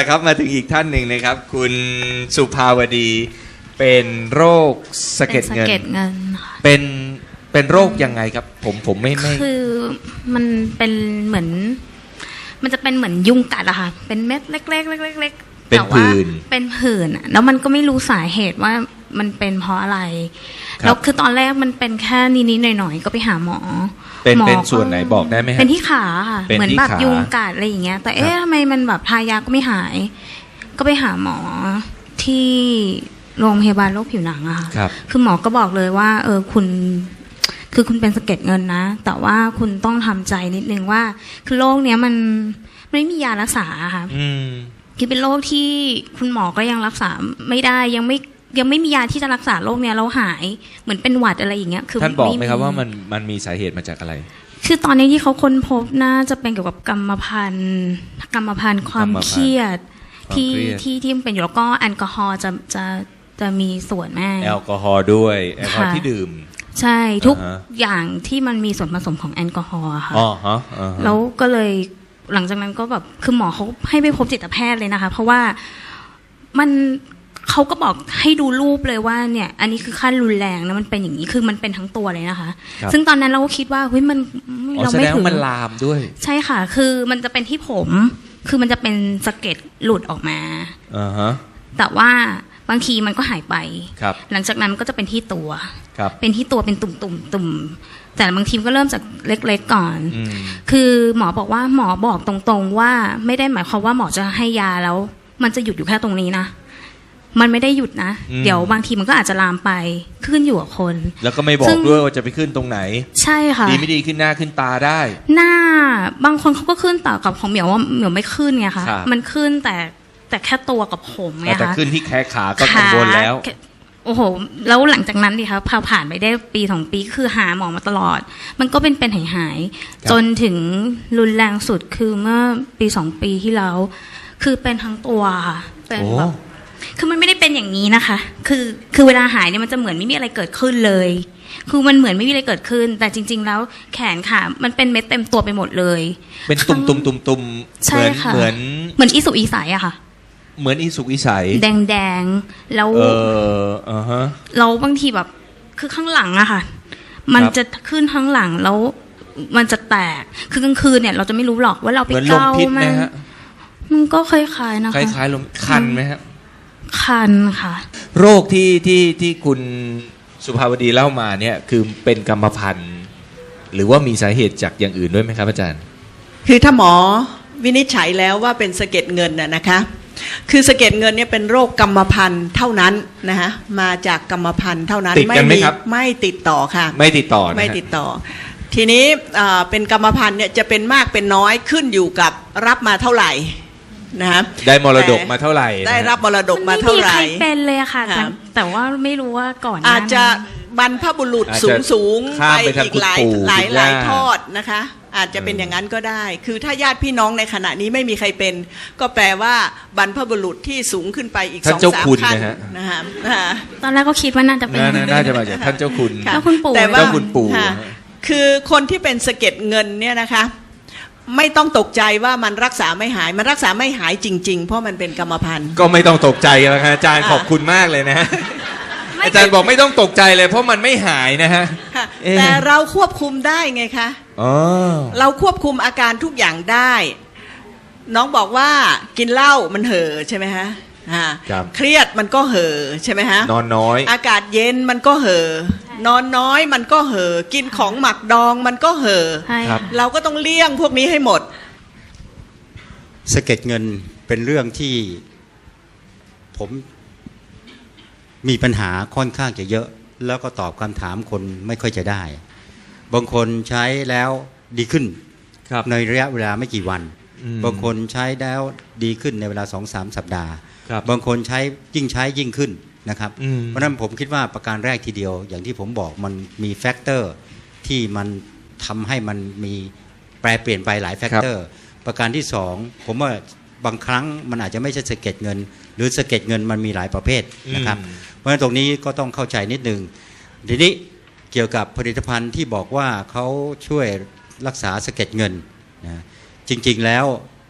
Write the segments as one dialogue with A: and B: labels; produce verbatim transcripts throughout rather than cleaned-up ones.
A: นะครับมาถึงอีกท่านหนึ่งนะครับคุณสุภาวดีเป็นโรคสะเก็ดเงินเป็นเป็นโรคยังไงครับผมผมไม่ไม่
B: คือมันเป็นเหมือนมันจะเป็นเหมือนยุงกัดอะค่ะเป็นเม็ดเล็กๆเล็กๆ
A: เป็นผื่น
B: เป็นผื่นแล้วมันก็ไม่รู้สาเหตุว่ามันเป็นเพราะอะไรแล้วคือตอนแรกมันเป็นแค่นิดๆหน่อยๆก็ไปหาหมอ
A: เป็นเป็นส่วนไหนบอกได้ไหมครับ
B: เป็นที่ขาค่ะเหมือนแบบยุงกัดอะไรอย่างเงี้ยแต่เอ๊ะทำไมมันแบบทายาก็ไม่หายก็ไปหาหมอที่โรงพยาบาลโรคผิวหนังอะค่ะคือหมอก็บอกเลยว่าเออคุณคือคุณเป็นสะเก็ดเงินนะแต่ว่าคุณต้องทำใจนิดนึงว่าคือโรคเนี้ยมันไม่มียารักษาค่ะคือเป็นโรคที่คุณหมอก็ยังรักษาไม่ได้ยังไม่ยังไม่มียาที่จะรักษาโรคเนี้ยเราหายเหมือนเป็นหวัดอะไรอย่างเงี้ยคือ
A: ท่านบอกไหมครับว่ามันมันมีสาเหตุมาจากอะไร
B: คือตอนนี้ที่เขาค้นพบน่าจะเป็นเกี่ยวกับกรรมพันธุ์กรรมพันธุ์ความเครียดที่ที่ที่มันเป็นอยู่แล้วก็แอลกอฮอล์จะจะจะมีส่วนแม่
A: แอลกอฮอล์ด้วยแอลกอฮอล์ที่ดื่ม
B: ใช่ทุกอย่างที่มันมีส่วนผสมของแอลกอฮอล์ค่ะ
A: อ๋อฮะ
B: แล้วก็เลยหลังจากนั้นก็แบบคือหมอเขาให้ไปพบจิตแพทย์เลยนะคะเพราะว่ามันเขาก็บอกให้ดูรูปเลยว่าเนี่ยอันนี้คือขั้นรุนแรงนะมันเป็นอย่างนี้คือมันเป็นทั้งตัวเลยนะคะซึ่งตอนนั้นเราก็คิดว่าเฮ้ยมันเราไม่ถึง
A: มันลามด้วย
B: ใช่ค่ะคือมันจะเป็นที่ผมคือมันจะเป็นสะเก็ดหลุดออกมา
A: อ่าฮะ
B: แต่ว่าบางทีมันก็หายไป
A: ห
B: ลังจากนั้นก็จะเป็นที่ตัว
A: เป็น
B: ที่ตัวเป็นตุ่มตุ่มตุ่มแต่บางทีก็เริ่มจากเล็กๆก่อนคือหมอบอกว่าหมอบอกตรงๆว่าไม่ได้หมายความว่าหมอจะให้ยาแล้วมันจะหยุดอยู่แค่ตรงนี้นะมันไม่ได้หยุดนะเดี๋ยวบางทีมันก็อาจจะลามไปขึ้นอยู่กับคน
A: แล้วก็ไม่บอกด้วยว่าจะไปขึ้นตรงไหน
B: ใช่ค่ะ
A: ดีไม่ดีขึ้นหน้าขึ้นตาได้
B: หน้าบางคนเขาก็ขึ้นแต่กับของเหมียวว่าเหมียวไม่ขึ้นไงคะมันขึ้นแต่แต่แค่ตัวกับผมไงคะ
A: แต่ขึ้นที่แขนขาก็กังวลแล้ว
B: โอ้โหแล้วหลังจากนั้นดิคะพอผ่านไปได้ปีสองปีคือหาหมอมาตลอดมันก็เป็นเป็นหายหายจนถึงรุนแรงสุดคือเมื่อปีสองปีที่แล้วคือเป็นทั้งตัวค่ะเป็นแบบคือมันไม่ได้เป็นอย่างนี้นะคะคือคือเวลาหายเนี่ยมันจะเหมือนไม่มีอะไรเกิดขึ้นเลยคือมันเหมือนไม่มีอะไรเกิดขึ้นแต่จริงๆแล้วแขนขามันเป็นเม็ดเต็มตัวไปหมดเลย
A: เป็นตุ่มตุ่มตุ่มตุ่มเหมือนเหมือน
B: เหมือนอีสุกอีใสอะค่ะ
A: เหมือนอีสุกอีใส
B: แดงแดงแล้ว
A: เอออ่าฮะ
B: เราบางทีแบบคือข้างหลังอะค่ะมันจะขึ้นข้างหลังแล้วมันจะแตกคือกลางคืนเนี่ยเราจะไม่รู้หรอกว่าเราไปเกามันมันก็คล้ายๆนะคะ
A: คล้ายๆลมคันไหมครับ
B: คันค่ะ
A: โรคที่ที่ที่คุณสุภาวดีเล่ามาเนี่ยคือเป็นกรรมพันธุ์หรือว่ามีสาเหตุจากอย่างอื่นด้วยไหมครับอาจารย์
C: คือถ้าหมอวินิจฉัยแล้วว่าเป็นสะเก็ดเงินน่ะนะคะคือสะเก็ดเงินเนี่ยเป็นโรคกรรมพันธุ์เท่านั้นนะคะมาจากกรรมพันธุ์เท่านั้น
A: ติดกันไหมครับ
C: ไม่ติดต่อค่ะ
A: ไม่ติดต่อ
C: ไม่ติดต่อทีนี้เป็นกรรมพันธุ์เนี่ยจะเป็นมากเป็นน้อยขึ้นอยู่กับรับมาเท่าไหร่นะ
A: ได้มรดกมาเท่าไหร่
C: ได้รับมรดกมาเท่าไหร่
B: ไม่มีใครเป็นเลยค่ะแต่ว่าไม่รู้ว่าก่อน
C: อาจจะบรรพบุรุษสูงสูงไปอีกหลายหลายหลายทอดนะคะอาจจะเป็นอย่างนั้นก็ได้คือถ้าญาติพี่น้องในขณะนี้ไม่มีใครเป็นก็แปลว่าบรรพบุรุษที่สูงขึ้นไปอีกสองสามขั้นนะฮะ
B: ตอนแรกก็คิดว่าน่าจะเป็น
A: น่าจะมาจากท่านเจ้าคุณ
B: เจ้าคุณปู่
C: แต่ว่า
A: เจ้าคุณปู่
C: คือคนที่เป็นสะเก็ดเงินเนี่ยนะคะไม่ต้องตกใจว่ามันรักษาไม่หายมันรักษาไม่หายจริงๆเพราะมันเป็นกรรมพันธุ์
A: ก็ไม่ต้องตกใจแล้วครับอาจารย์ขอบคุณมากเลยนะอาจารย์บอกไม่ต้องตกใจเลยเพราะมันไม่หายนะฮะ
C: แต่เราควบคุมได้ไงคะเราควบคุมอาการทุกอย่างได้น้องบอกว่ากินเหล้ามันเห่อใช่ไหมฮะเครียดมันก็เห่อใช่ไหมฮะ
A: นอนน้อย
C: อากาศเย็นมันก็เห่อนอนน้อยมันก็เห่อกินของหมักดองมันก็เห่อเราก็ต้องเลี่ยงพวกนี้ให้หมด
D: สะเก็ดเงินเป็นเรื่องที่ผมมีปัญหาค่อนข้างจะเยอะแล้วก็ตอบคำถามคนไม่ค่อยจะได้บางคนใช้แล้วดีขึ้นในระยะเวลาไม่กี่วันบางคนใช้แล้วดีขึ้นในเวลา สองถึงสาม สัปดาห์บางคนใช้ยิ่งใช้ยิ่งขึ้นนะครับเพราะฉะนั้นผมคิดว่าประการแรกทีเดียวอย่างที่ผมบอกมันมีแฟกเตอร์ที่มันทำให้มันมีแปรเปลี่ยนไปหลายแฟกเตอร์ประการที่สองผมว่าบางครั้งมันอาจจะไม่ใช่สะเก็ดเงินหรือสะเก็ดเงินมันมีหลายประเภทนะครับเพราะฉะนั้นตรงนี้ก็ต้องเข้าใจนิดนึงทีนี้เกี่ยวกับผลิตภัณฑ์ที่บอกว่าเขาช่วยรักษาสะเก็ดเงินนะจริงๆแล้ว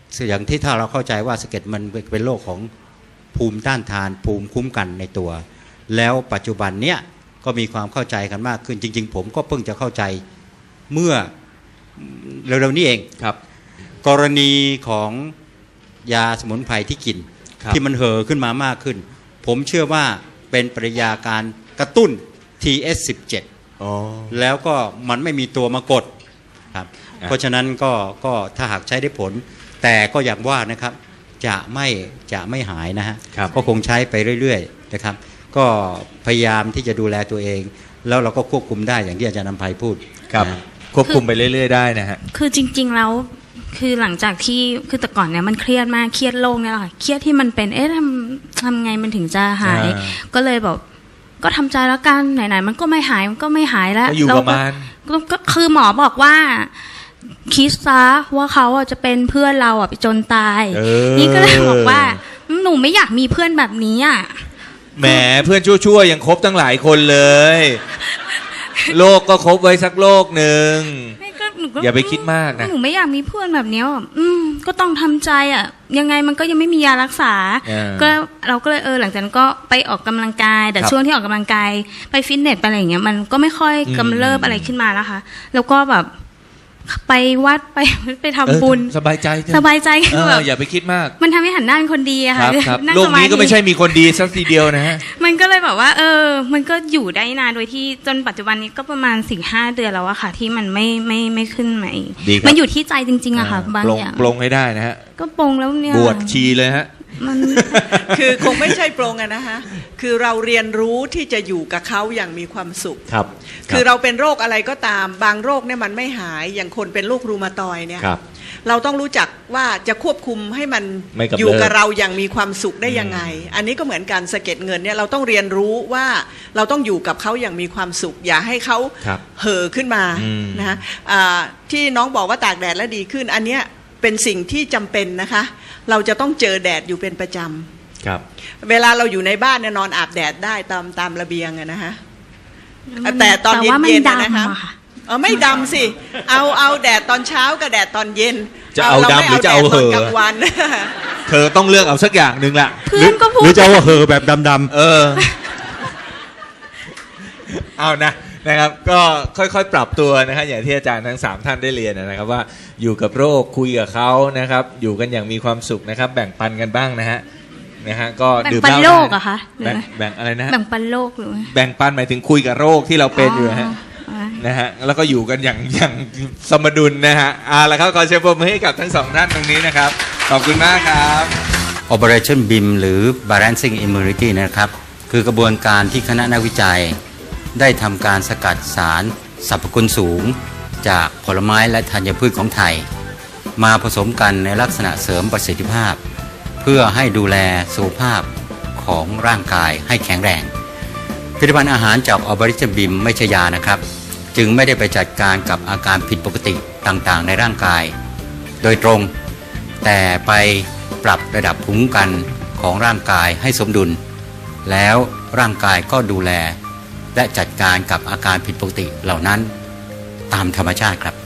D: อย่างที่ถ้าเราเข้าใจว่าสะเก็ดมันเป็นโรคของภูมิต้านทานภูมิคุ้มกันในตัวแล้วปัจจุบันเนี้ยก็มีความเข้าใจกันมากขึ้นจริงๆผมก็เพิ่งจะเข้าใจเมื่อเร็วๆนี้เอง
A: ครับ
D: กรณีของยาสมุนไพรที่กินที่มันเห่อขึ้นมามากขึ้นผมเชื่อว่าเป็นปฏิกิริยาการกระตุ้น ที เอส สิบเจ็ด
A: อ๋อ
D: แล้วก็มันไม่มีตัวมากดครับเพราะฉะนั้นก็ก็ถ้าหากใช้ได้ผลแต่ก็อย่างว่านะครับจะไม่จะไม่หายนะฮะก็คงใช้ไปเรื่อยๆนะครับก็พยายามที่จะดูแลตัวเองแล้วเราก็ควบคุมได้อย่างที่อาจารย์นำไพพูด
A: ครับควบคุมไปเรื่อยๆได้นะฮะ
B: คือจริงๆแล้วคือหลังจากที่คือแต่ก่อนเนี่ยมันเครียดมากเครียดโรคเนี่ยแหละค่ะเครียดที่มันเป็นเอ๊ะทำทำไงมันถึงจะหายก็เลยแบบก็ทำใจแล้วกันไหนๆมันก็ไม่หายมันก็ไม่หายแล้ว
A: อยู่ประมาณ
B: ก็คือหมอบอกว่าคิดซะว่าเขาอ่ะจะเป็นเพื่อนเราอ่ะไปจนตายนี่ก็เลยบอกว่าหนูไม่อยากมีเพื่อนแบบนี้อ่ะ
A: แหมเพื่อนชั่วๆยังคบตั้งหลายคนเลยโลกก็คบไว้สักโลกหนึ่งอย่าไปคิดมากนะ
B: หนูไม่อยากมีเพื่อนแบบนี้อ่ะอืมก็ต้องทำใจอ่ะยังไงมันก็ยังไม่มียารักษาก็เราก็เลยเออหลังจากนั้นก็ไปออกกำลังกายแต่ช่วงที่ออกกำลังกายไปฟิตเนสไปอะไรอย่างเงี้ยมันก็ไม่ค่อยกำเริบอะไรขึ้นมาแล้วค่ะแล้วก็แบบไปวัดไปไปทำบุญ
A: สบายใจ
B: สบายใจ
A: คือแบบอย่าไปคิดมาก
B: มันทำให้หันหน้าเป็นคนดีอะค่ะ
A: โลกนี้ก็ไม่ใช่มีคนดีสักทีเดียวนะฮะ
B: มันก็เลยแบบว่าเออมันก็อยู่ได้นานโดยที่จนปัจจุบันนี้ก็ประมาณสี่ห้าเดือนแล้วอะค่ะที่มันไม่ไม่ไม่ขึ้นมาอีกมันอยู่ที่ใจจริงๆอะค่ะบางอย่าง
A: ปลงให้ได้นะฮะ
B: ก็ปลงแล้วเนี่ย
A: บวชชีเลยฮะ
C: มันคือคงไม่ใช่ปรงอะนะคะคือเราเรียนรู้ที่จะอยู่กับเขาอย่างมีความสุข
A: ครับ
C: คือเราเป็นโรคอะไรก็ตามบางโรคเนี่ยมันไม่หายอย่างคนเป็นโรครูมาตอยเนี่ยเราต้องรู้จักว่าจะควบคุมให้มันอยู่กับเราอย่างมีความสุขได้ยังไงอันนี้ก็เหมือนกันสะเก็ดเงินเนี่ยเราต้องเรียนรู้ว่าเราต้องอยู่กับเขาอย่างมีความสุขอย่าให้เขาเห่อขึ้นมานะฮะที่น้องบอกว่าตากแดดแล้วดีขึ้นอันเนี้ยเป็นสิ่งที่จำเป็นนะคะเราจะต้องเจอแดดอยู่เป็นประจำ
A: ครับ
C: เวลาเราอยู่ในบ้านเนี่ยนอนอาบแดดได้ตามตามระเบียงอะนะฮะแต่ตอนเย็นๆนะคะเออไม่ดำสิเอาเอาแดดตอนเช้ากับแดดตอนเย็น
A: จะเอาดำหรือจะเอาเหอะ
C: กลางวัน
A: เธอต้องเลือกเอาสักอย่างหนึ่งละ
B: ห
A: รือจะเอาเหอะแบบดำๆเออเอานะนะครับก็ค่อยๆปรับตัวนะฮะอย่างที่อาจารย์ทั้งสามท่านได้เรียนนะครับว่าอยู่กับโรคคุยกับเขานะครับอยู่กันอย่างมีความสุขนะครับแบ่งปันกันบ้างนะฮะนะฮะก็
B: ดื่มเหล้าได้แบ่งปันโรคอะคะ
A: แบ่งแบ่งอะไรนะ
B: แบ่งปันโรคหรือ
A: แบ่งปันหมายถึงคุยกับโรคที่เราเป็นอยู่ฮะนะฮะแล้วก็อยู่กันอย่างอย่างสมดุลนะฮะเอาละครับขอเชิญปรบมือให้กับทั้งสองท่านตรงนี้นะครับขอบคุณมากครับ
D: Operation บี เอ็ม หรือ Balancing Immunity นะครับคือกระบวนการที่คณะนักวิจัยได้ทำการสกัดสารสรรพคุณสูงจากผลไม้และธัญพืชของไทยมาผสมกันในลักษณะเสริมประสิทธิภาพเพื่อให้ดูแลสุขภาพของร่างกายให้แข็งแรงผลิตภัณฑ์อาหารจากออบริจินบิมไม่ใช่ยานะครับจึงไม่ได้ไปจัดการกับอาการผิดปกติต่างๆในร่างกายโดยตรงแต่ไปปรับระดับภูมิคุ้มกันของร่างกายให้สมดุลแล้วร่างกายก็ดูแลและจัดการกับอาการผิดปกติเหล่านั้นตามธรรมชาติครับ